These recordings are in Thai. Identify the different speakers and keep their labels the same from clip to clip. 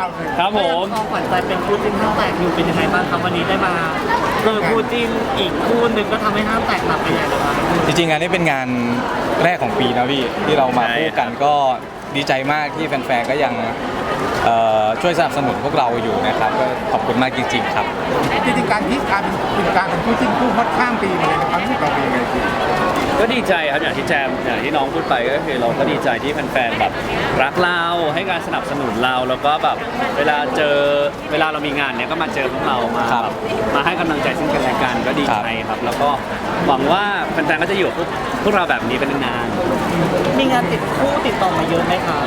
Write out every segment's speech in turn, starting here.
Speaker 1: ครับผม
Speaker 2: ของขวัญใจเป็นคู่จิ้นห้างแตกอยู่เป็นยังไงบ้างครับวันนี้ได้มาเจอคู่จิ้นอีกคู่หนึ่งก็ทำให้ห้างแตกหนักไปใหญ่เลยครับ
Speaker 3: จริงๆงานนี้เป็นงานแรกของปีนะพี่ที่เรามาคู่กันก็ดีใจมากที่แฟนๆก็ยังช่วยสนับสนุนพวกเราอยู่นะครับก็ขอบคุณมากจริงๆครับ
Speaker 4: จริงๆการที่การเป็นคู่จิ้นคู่ฮอตข้ามปีมาเลยนะครับที่เราเป็นยังไงจริง
Speaker 1: ก็ดีใจครับอย่างที่แจมอย่างที่น้องพูดไปก็คือเราก็ดีใจที่แฟนๆแบบรักเราให้การสนับสนุนเราแล้วก็แบบเวลาเรามีงานเนี้ยก็มาเจอพวกเรามาแบบมาให้กำลังใจซึ่งกันและกันก็ดีใจครับแล้วก็หวังว่าแฟนๆก็จะอยู่กับพวกเราแบบนี้เป็นนาน
Speaker 2: มีงานติดต่อมาเยอะไหมครับ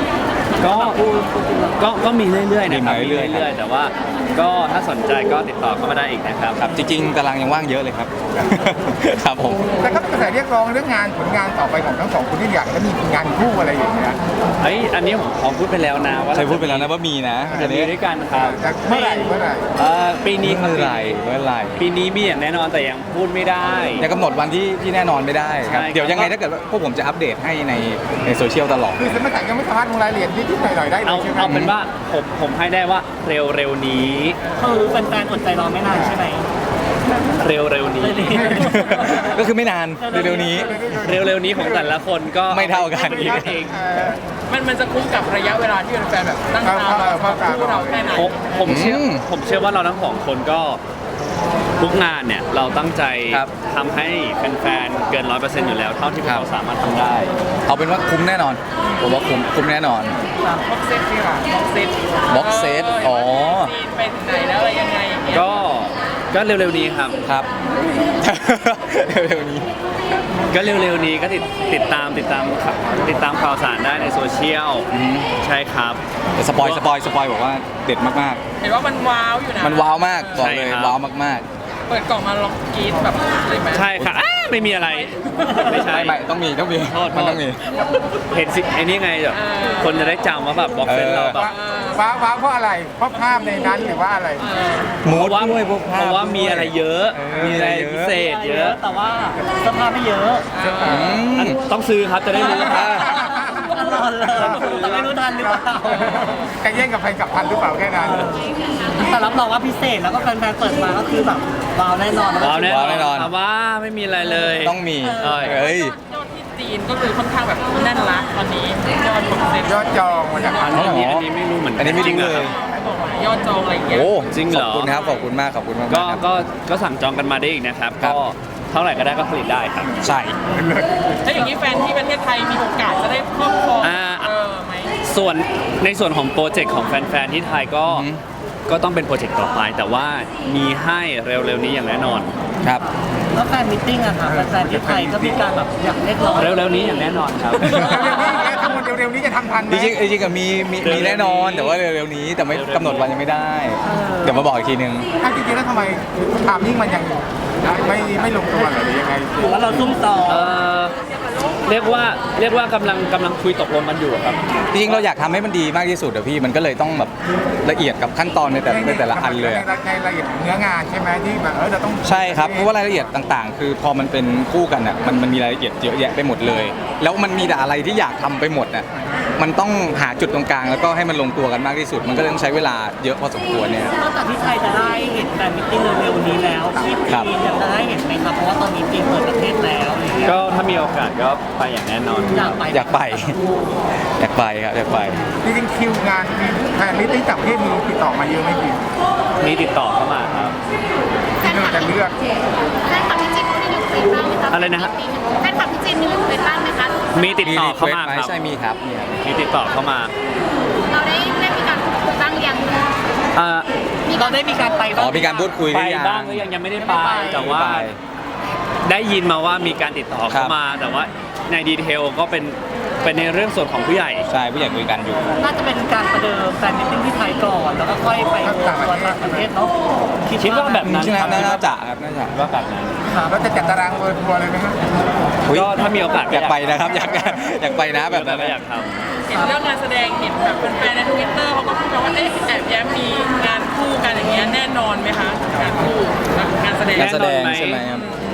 Speaker 1: ก็มีเรื่อยๆนะครับมีเรื่อยๆแต่ว่าก็ถ้าสนใจก็ติดต่อเข้ามาได้อีกนะครับ
Speaker 3: ครับจริงๆตารางยังว่างเยอะเลยครับครับผม
Speaker 4: แต่ก็กระแสเรียกร้องเรื่องงานผลงานต่อไปของทั้งสองคนที่อยากจะมีงานคู่อะไรอย่างเงี้ย
Speaker 1: อันนี้ผมขอพูดไปแล้วนะว่า
Speaker 3: เคยพูดไปแล้วนะว่ามีนะ
Speaker 1: จะมีด้วยกันครับ
Speaker 4: เมื่อไหร่
Speaker 1: ปีนี้
Speaker 3: เมื่อไหร่
Speaker 1: ปีนี้มีอย่างแน่นอนแต่ยังพูดไม่ได้
Speaker 3: ยังกำหนดวันที่แน่นอนไม่ได้ครับเดี๋ยวยังไงถ้าเกิดว่าพวกผมจะอัปเดตให้ในโซเชียลตลอด
Speaker 4: คือสมัยยังไม่สามารถลงรายละเอียดนิดๆหน่อยๆได้เลยใช่ไหม
Speaker 1: เอาเป็นว่าผมให้ได้ว่าเร็วๆนี้
Speaker 2: คือแฟนๆอดใจรอไม่นานใช่ไหม
Speaker 1: เร็วๆนี้
Speaker 3: ก็คือไม่นานเร็วๆนี้
Speaker 1: ของแต่ละคนก็
Speaker 3: ไม่เท่ากันอีก
Speaker 5: มันจะคุ้มกับระยะเวลาที่แฟนๆแบบตั้งตารอคู่เราแค่ไหน
Speaker 1: ผมเชื่อว่าเราทั้งสองคนก็ทุกงานเนี่ยเราตั้งใจทำให้แฟนๆเกิน 100% อยู่แล้วเท่าที่เราสามารถทำได้
Speaker 3: เอาเป็นว่าคุ้มแน่นอนผมว่าคุ้มแน่นอน
Speaker 5: บ็อกเซตนี่ค่ะ
Speaker 3: บ็อกเซตอ๋อ
Speaker 5: ไปไหนแล้วอะไรยังไง
Speaker 1: ก็เร็วๆนี้ครับ
Speaker 3: เร็วๆนี้
Speaker 1: ก็เร็วๆนี้ก็ติดตามข่าวสารได้ในโซเชียลใช่ครับ
Speaker 3: แต่สปอยบอกว่าเด็ดมาก
Speaker 5: ๆเห็นว่ามันว้าวอยู่นะ
Speaker 3: มันว้าวมากบอกเลยว้าวมาก
Speaker 5: ๆเปิดกล่องมาลองกรี๊ดแบบเลยไหม
Speaker 1: ใช่ค่ะไม่มีอะไรไม่ใช่
Speaker 3: ต้องมีมันต้องมี
Speaker 1: เห็นสิไอ้นี่ไงแบบคนจะได้จำว่าแบบบ็อกเซตเราแบบ
Speaker 4: ว้าวเพราะอะไรเพราะภาพในนั้นหรือว่าอะไร
Speaker 3: มูดด้วยพวกภาพ
Speaker 1: เพราะว่ามีอะไรเยอะมีอะไรพิเศษเยอะ
Speaker 2: แต่ว่าเสื้อผ้าไม่เยอะ
Speaker 1: ต้องซื้อครับจะได้รู้
Speaker 2: ตลอดเลยแต่ไม่รู้ทันหรือเปล่า
Speaker 4: แกแย่งกับใครกับทันหรือเปล่าแค่นั้น
Speaker 2: แต่รับรองว่าพิเศษแล้วก็แฟนๆเปิดมาก็คือแบบว้าวแน่นอน
Speaker 1: ว่าไม่มีอะไรเลย
Speaker 3: ต้องมี
Speaker 5: ยอดที่จีนก็คือค่อนข้างแบบแน่นละตอนนี้
Speaker 4: ยอดจองมาจาก
Speaker 1: อันนี้ไม่รู้เหมือน
Speaker 3: อันนี้ไม่จริงเลย
Speaker 5: ยอดจองอะไรเงี้ย
Speaker 3: โอ้จริงเหรอขอบคุณครับขอบคุณมาก
Speaker 1: ก็สั่งจองกันมาได้อีกนะครับก็เท่าไหร่ก็ได้ก็ผลิตได้ครับ
Speaker 3: ใช่
Speaker 5: ถ้าอย่างนี้แฟนที่ประเทศไทยมีโอกาสจะได้ครอบครองไหม
Speaker 1: ในส่วนของโปรเจกต์ของแฟนๆที่ไทยก็ต้องเป็นโปรเจกต์ต่อไปแต่ว่ามีให้เร็วๆนี้อย่างแน่นอน
Speaker 3: ครับ
Speaker 2: แล้วแฟนมิทติ้งอะค่ะแฟนที่ไทยก็มีการแบบอยากเรียกร้อง
Speaker 1: เร็วๆนี้อย่างแน่นอนครับ
Speaker 4: เร็วๆนี้จะทำทันไหม
Speaker 3: จริงๆก็มีแน่นอนแต่ว่าเร็วๆนี้แต่ไม่กำหนดวันยังไม่ได้เดี๋ยวมาบอกอีกทีนึง
Speaker 4: จริงๆแล้วทำไมทามมิ่งมันยังไม่ลงตัวหรือยังไง
Speaker 2: หรือว่าเราซุ่มต่อ
Speaker 1: เรียกว่ากำลังคุยตกลงกันอยู่ครับ
Speaker 3: จริงๆเราอยากทำให้มันดีมากที่สุดอะพี่มันก็เลยต้องแบบละเอียดกับขั้นตอนในแต่ละอันเลย
Speaker 4: ในรายละเอียดเนื้องานใช่ไหมที่แบบเราต้อง
Speaker 3: ใช่ครับเพราะว่ารายละเอียดต่างๆคือพอมันเป็นคู่กันอะมันมีรายละเอียดเยอะแยะไปหมดเลยแล้วมันมีแต่อะไรที่อยากทำไปหมดอะมันต้องหาจุดตรงกลางแล้วก็ให้มันลงตัวกันมากที่สุดมันก็ต้องใช้เวลาเยอะพอสมควรเนี่ย
Speaker 2: นอกจากที่ไทยจะได้เห็นแฟนมิทติ้งเร็วๆนี้แล้วที่จีนยังจะได้เห็นไหมครับเพราะว่าตอนนี้จีนเปิดประเทศแล้ว
Speaker 1: ก็ถ้ามีโอกาสก็ไปอย่างแน่นอน
Speaker 3: อยากไปครับอยากไป
Speaker 4: จริงๆคิวงานแฟนมิตติ้งต่างประเทศมีติดต่อมาเยอะไหมพี่
Speaker 1: มีติดต่อเข้ามาครับ
Speaker 4: ที่เราจะเลือก
Speaker 6: แฟนคลับพี่จีนมีอยู่เป็นบ้างไหมคะ
Speaker 1: อะไรนะฮะ
Speaker 6: แฟนคลับพี่จีนมีอยู่เป็นบ้างไหมคะ
Speaker 1: มีติดต่อเข้ามาครับ
Speaker 3: ใช่มีครับ
Speaker 1: มีติดต่อเข้ามา
Speaker 6: เราได้มีการพูดคุยบ้างยัง
Speaker 2: เราได้มีการไปบ้าง
Speaker 3: มีการพูดคุย
Speaker 1: ไปบ้างหรือยังไม่ได้ไปแต่ว่าได้ยินมาว่ามีการติดต่อเข้ามาแต่ว่าในดีเทลก็เป็นในเรื่องส่วนของผู้ใหญ่
Speaker 3: ใช่ผู้ใหญ่คุยกันอยู่
Speaker 2: น่าจะเป็นการประเดิมแฟนมิทติ้งที่ไทยก่อนแล้วก็ค่อยไปต่างประเทศเนาะ
Speaker 1: คิดว่าแบบนั้น
Speaker 3: น่าจะครับน่าจะ
Speaker 1: ว่าแบบนั้น
Speaker 4: เราจะจัดตารางเวิร์ทัวร์เลยไหมครับ
Speaker 1: ก็ถ้ามีโอกาส
Speaker 3: อยากไปนะครับอยากไปนะแบบนั้น
Speaker 1: อยากท
Speaker 5: ำเห็นเรื่องงานแสดงเห็นแบบแฟนใน Twitter เขาก็พูดกันว่าแอบแย้มมีงานคู่กันอย่างเงี้ยแน่นอนไหมคะงานคู่งานแสดง
Speaker 3: ใช่ไหมครับ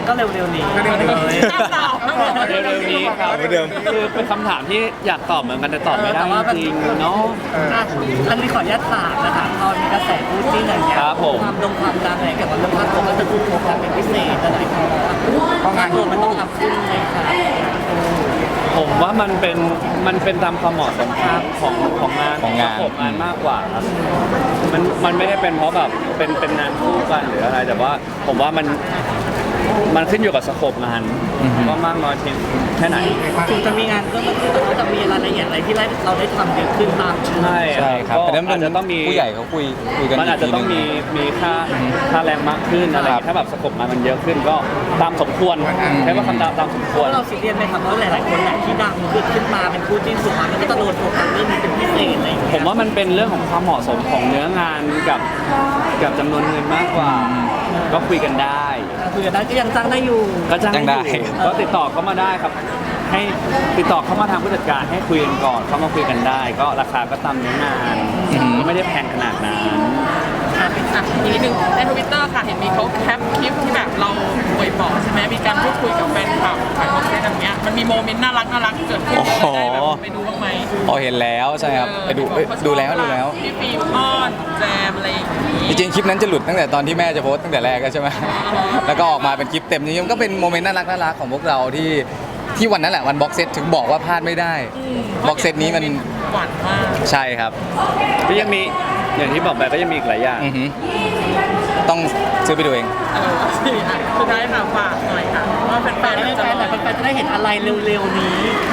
Speaker 2: ก็เร็วๆนี้
Speaker 4: ก็เร็วๆนี้
Speaker 1: เร็วๆนี้ครับ
Speaker 3: เหมือนเดิม
Speaker 1: คือเป็นคำถามที่อยากตอบเหมือนกันแต่ตอบไม่ได้จริงๆเนาะ
Speaker 2: อ่ะอันนี้ขออนุญาตถามนะคะตอนมีกระแสคู่จิ้นอะไรเงี้ย
Speaker 1: ครับผม
Speaker 2: ความดังอะไรเกี่ยวกับเรื่องภาพผมก็จะพูดโฟกัสเป็นพิเศษอะไรอย่างเงี้ยเพราะงานรวมมันต้องทำขึ้นเลยค่ะ
Speaker 1: ผมว่ามันเป็นตามความเหมาะสมของงาน
Speaker 3: ของงาน
Speaker 1: ประกบงานมากกว่าครับมันไม่ได้เป็นเพราะแบบเป็นงานคู่กันหรืออะไร แต่ว่าผมว่ามันขึ้นอยู่กับสโคปงานว่ามากน้อยเพียงแค่ไหน
Speaker 2: ถึงจะมีงานเพิ่มขึ้นแต่ว่าจะมีรายละเอียดอะไรที่เราได้ทำเยอะขึ้นตาม
Speaker 1: ใช่
Speaker 3: ใช่ครับ
Speaker 1: ก็
Speaker 3: แต่นั้นมั
Speaker 1: อาจจะต้องมี
Speaker 3: ผู้ใหญ่เขาคุยกัน
Speaker 1: มันอาจจะต้อง
Speaker 3: กที
Speaker 1: มีค่าแรงมากขึ้นอะไรอย่างเงี้ยถ้าแบบสโคปงานมันเยอะขึ้นก็ตามสมควรใช้ว่าคำตามสมควร
Speaker 2: เราซีเรียสไหมครับเพราะหลายๆคนแหละที่ดังขึ้นมาเป็นคู่จิ้นสุดท้ายมันก็จะโดนโฟกัสเรื่องนี้เป็นพิเศษอะไรอย่าง
Speaker 1: ผ
Speaker 2: เงี้ย
Speaker 1: มว่ามันเป็นเรื่องของความเหมาะสมของเนื้องานกับจำนวนเงินมากกว่า ก็คุยกันได้
Speaker 2: คุยกันได้ก็ยังจ้างได้อยู่
Speaker 1: ก็จ้าง
Speaker 3: จ้างได้
Speaker 1: อยู่ก็ติดต่อเข้ามาได้ครับ ให้ติดต่อเข้ามาทางผู้จัดการให้คุยกันก่อนเข้ามาคุยกันได้ ก็ราคาก็ตามเนื้องานก็ไม่ได้แพงขนาดนั้น
Speaker 5: อีกนิดนึงในทวิตเตอร์ค่ะเห็นมีเขาแคปคลิปที่แบบเราป่วยปอดใช่ไหมมีการพูดคุยกับแฟนคลับขายของอะไรแบบเนี้ยมันมีโมเมนต์น่ารักเกิดขึ้นได้แบบไปดูบ้างไหม
Speaker 3: พอเห็นแล้วใช่ครับไปดูแล้ว
Speaker 5: พี่ฟิล์มอ้อนแจมอะไรอย่างนี้
Speaker 3: จริงๆคลิปนั้นจะหลุดตั้งแต่ตอนที่แม่จะโพสต์ตั้งแต่แรกแล้วใช่ไหม แล้วก็ออกมาเป็นคลิปเต็มจริงๆมันก็เป็นโมเมนต์น่ารักของพวกเราที่วันนั้นแหละวันบ็อกเซตถึงบอกว่าพลาดไม่ได้บ็อกเซตนี้มัน
Speaker 5: หวานมาก
Speaker 3: ใช่ครับ
Speaker 1: ก็ยังมีอย่างที่บอกไปก็ยังมีอีกหลายอย่าง
Speaker 3: อือหือต้องซื้อไปดูเอง
Speaker 5: สุดท้ายค่ะฝากหน่อยค่ะว่าแฟนๆจะรอ
Speaker 2: แฟนๆจะได้เห็นอะไรเร็วๆนี้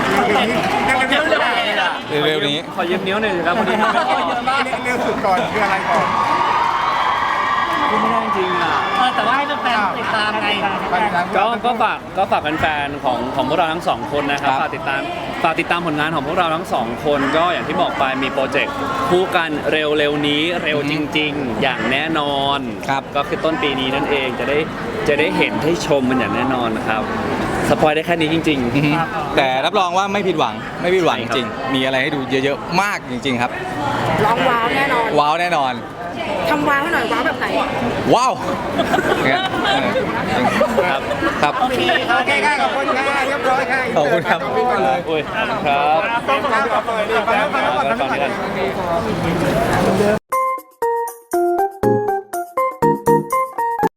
Speaker 3: เร็วๆนี้
Speaker 1: ขอยืมนิ้วหน่อยสิครับพอดีมันไม่พอ
Speaker 4: เร็วสุดก่อนคืออะไรก่อน
Speaker 1: พูดไม่ได้จริงอ่ะ
Speaker 2: แต่ว่าให้แฟนๆติดตามไง
Speaker 1: ก็ฝากแฟนๆของพวกเราทั้งสองคนนะครับ
Speaker 3: ครับ
Speaker 1: ฝากติดตามผลงานของพวกเราทั้งสองคนก็อย่างที่บอกไปมีโปรเจกต์คู่กันเร็วๆนี้เร็วจริง ๆ อย่างแน่นอน
Speaker 3: ครับ
Speaker 1: ก็คือต้นปีนี้นั่นเองจะได้เห็นได้ชมมันอย่างแน่นอนครับสปอยได้แค่นี้จริง
Speaker 3: อือหือแต่รับรองว่าไม่ผิดหวังจ
Speaker 1: ใช่ครับ
Speaker 3: ริงๆมีอะไรให้ดูเยอะๆมากจริง ๆ ครับ
Speaker 7: ร้องว้าวแน่นอน
Speaker 3: ว้าวแน่นอน
Speaker 7: ทำว้าวให้หน่อยว้าวแบบไหน
Speaker 3: ว้าวเนี่ย
Speaker 1: ครับ
Speaker 3: ครับ
Speaker 2: โอเคครับ
Speaker 4: โอเคค่ะขอบคุณค่ะเรียบร้อยค่ะ
Speaker 3: ขอบคุณครับ
Speaker 4: ขอบคุณเลย
Speaker 1: อุ้ยขอบคุณครับ
Speaker 4: ต้องขอบคุณครับ
Speaker 1: ก่อนนี้กัน